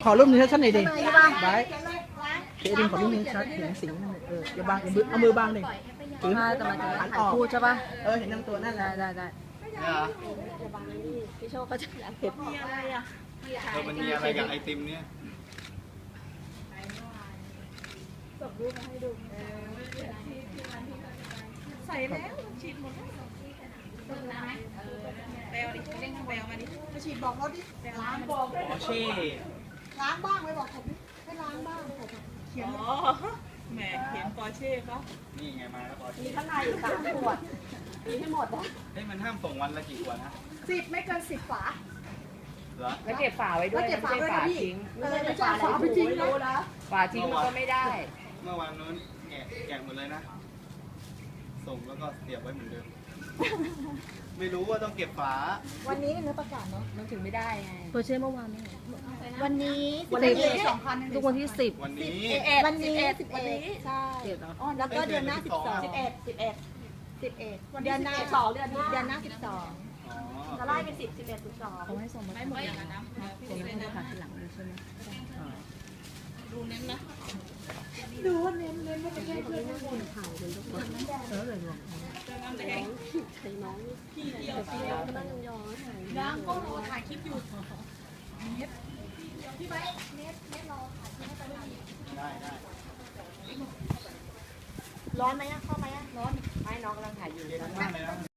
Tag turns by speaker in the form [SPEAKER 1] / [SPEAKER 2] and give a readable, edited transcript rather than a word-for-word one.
[SPEAKER 1] ขอรูปนี้ชัดๆหน่อยดิไว้เดี๋ยวดิขอรูปนี้ชัดเห็นสิงนั่นเลยอย่าบังเอามือบังดิถือแต่มันจะหันออกพูดใช่ป่ะเห็นทั้งตัวนั่นแหละได้พี่โชคเขาจะเห็นมีอะไรอ่ะ
[SPEAKER 2] มันมีอะไรกับไอติมเนี่ย
[SPEAKER 3] ส่งรูปมาให้ดูใส่แล้วฉีดหมดแล้วแบลดิเร่งทางแบลมาดิมาฉีดบอกเขาดิล้างบอก
[SPEAKER 2] เช่
[SPEAKER 3] ล้างบ้างไว้บอกผมให้ล้างบ้างผมเขียนแหมเขียนปอเช่ปะ
[SPEAKER 2] นี่ไงมาแล้วพอ
[SPEAKER 3] มีข้างในอยู่3 ขวดมีให้หมดนะ
[SPEAKER 2] มันห้ามส่งวันละกี่ขวดนะ
[SPEAKER 3] 10ไม่เกิน10 ฝา
[SPEAKER 2] เหรอ
[SPEAKER 4] แล้วเก็บฝาไว้ด้วยไม่ใช่ฝาทิ้ง
[SPEAKER 3] ไม่ใช่ฝาไปทิ้งนะ
[SPEAKER 4] ฝาทิ้งมันก็ไม่ได้
[SPEAKER 2] เมื่อวานนู้นแกะหมดเลยนะส่งแล้วก็เสียบไว้เหมือนเดิมไม่รู้ว่าต้องเก็บฝา
[SPEAKER 3] วันนี้เนื้อประกาศเนาะ
[SPEAKER 4] มันถึงไม่ได้ไง
[SPEAKER 1] เปิดเช่เมื่อวานนี่
[SPEAKER 3] วันนี้
[SPEAKER 1] ทุกวันที่10
[SPEAKER 2] วันนี้
[SPEAKER 3] วันนี้ใช่แล้วก็เดือนหน้า11เดือนหน้า12เดือนหน้า12จะไล่เป็น10 11 12
[SPEAKER 1] เขาให้ส่งมาไม่หมดอย่างนั้นนะส่งมาให้หาทีหลังเลยใช่ไหม
[SPEAKER 3] ดูเน้นนะดูว่าเน้นไม่ใช่เพื่อนคนถ่ายเป็นทุกคน
[SPEAKER 1] เลยหรอ
[SPEAKER 3] ใช้น้องพี่เดียวก็นั่งยองถ่ายก็รอถ่ายคลิปอยู่เน็ตพี่ไว้เน็ตรอถ่ายคลิปให้ไป
[SPEAKER 2] ได้
[SPEAKER 3] ร้อนไหมเข้าไหมร้อน
[SPEAKER 4] ไม่น้องกำลังถ่ายอยู่
[SPEAKER 2] เย็นมากเลยนะ